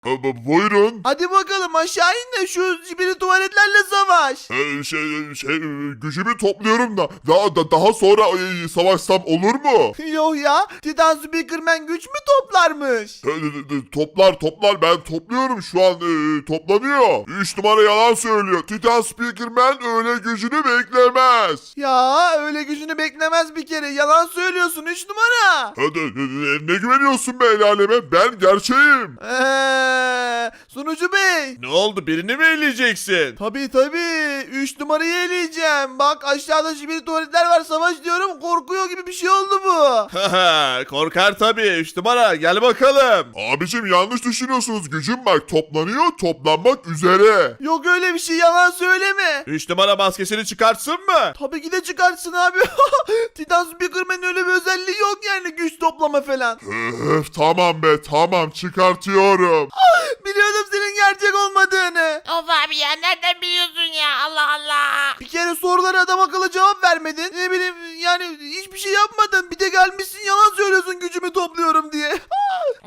Buyurun. Hadi bakalım aşağı in de şu zibidi tuvaletlerle savaş. Gücümü topluyorum da daha sonra savaşsam olur mu? Yok ya, Titan Speakerman güç mü toplarmış? Toplar ben topluyorum şu an toplanıyor. 3 numara yalan söylüyor. Titan Speakerman öyle gücünü beklemez. Ya öyle gücünü beklemez bir kere, yalan söylüyorsun 3 numara. Ne güveniyorsun be el aleme? Ben gerçeğim. Sunucu bey. Ne oldu, birini mi eleyeceksin? Tabii 3 numarayı eleyeceğim. Bak aşağıda zibidi tuvaletler var, savaş diyorum, korkuyor gibi bir şey oldu bu. Haha, korkar tabii. 3 numara gel bakalım. Abicim yanlış düşünüyorsunuz. Gücüm bak toplanıyor, toplanmak üzere. Yok öyle bir şey, yalan söyleme. 3 numara maskesini çıkartsın mı? Tabii ki de çıkartsın abi. Titan Speakerman'ın öyle bir özelliği yok yani, güç toplama falan. Tamam be tamam çıkartıyorum. Biliyordum senin gerçek olmadığını. Of abi ya, nereden biliyorsun ya, Allah Allah. Bir kere sorulara adam akıllı cevap vermedin. Ne bileyim yani, hiçbir şey yapmadın. Bir de gelmişsin yalan söylüyorsun gücümü topluyorum